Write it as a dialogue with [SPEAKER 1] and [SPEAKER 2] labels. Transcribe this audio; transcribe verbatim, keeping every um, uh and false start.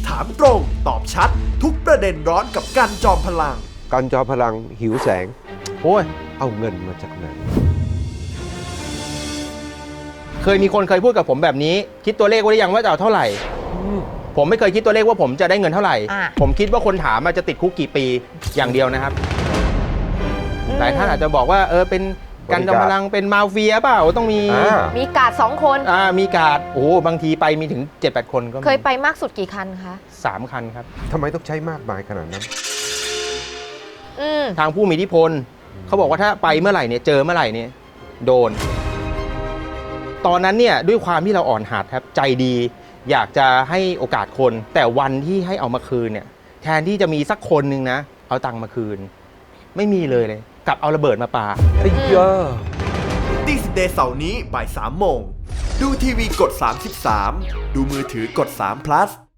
[SPEAKER 1] ถามตรงตอบชัดทุกประเด็นร้อนกับกันจอมพลัง
[SPEAKER 2] กันจอมพลังหิวแสง
[SPEAKER 3] โอ้ย
[SPEAKER 2] เอาเงินมาจากไหน
[SPEAKER 3] เคยมีคนเคยพูดกับผมแบบนี้ คิดตัวเลขไว้หรือยังว่าจะเอาเท่าไหร่ ผมไม่เคยคิดตัวเลขว่าผมจะได้เงินเท่าไหร่
[SPEAKER 4] อ่ะ
[SPEAKER 3] ผมคิดว่าคนถามมาจะติดคุกกี่ปีอย่างเดียวนะครับหลายท่านอาจจะบอกว่าเออเป็นกันจอมพลังเป็นมาเฟียเปล่าต้องมี
[SPEAKER 2] อ่า
[SPEAKER 4] มีกาดสองคน
[SPEAKER 3] อ่ามีการ์ดโอ้โหบางทีไปมีถึง เจ็ดแปด คนก็มี
[SPEAKER 4] เคยไปมากสุดกี่คันคะ
[SPEAKER 3] สามคันครับ
[SPEAKER 2] ทำไมต้องใช้มากมายขนาดนั้น
[SPEAKER 4] อืม
[SPEAKER 3] ทางผู้มีอิทธิพลเขาบอกว่าถ้าไปเมื่อไหร่เนี่ยเจอเมื่อไหร่เนี่ยโดน ตอนนั้นเนี่ยด้วยความที่เราอ่อนหัดครับใจดี อยากจะให้โอกาสคน แต่วันที่ให้เอามาคืนเนี่ยแทนที่จะมีสักคนหนึ่งนะเอาตังค์มาคืน ไม่มีเลยเลยกลับเอาระเบิดมาปา
[SPEAKER 2] ไอ้เยอะ
[SPEAKER 1] ดิสเดย์เสาร์นี้บ่ายสามโมง ดูทีวีกดสามสิบสามดูมือถือกดสาม plus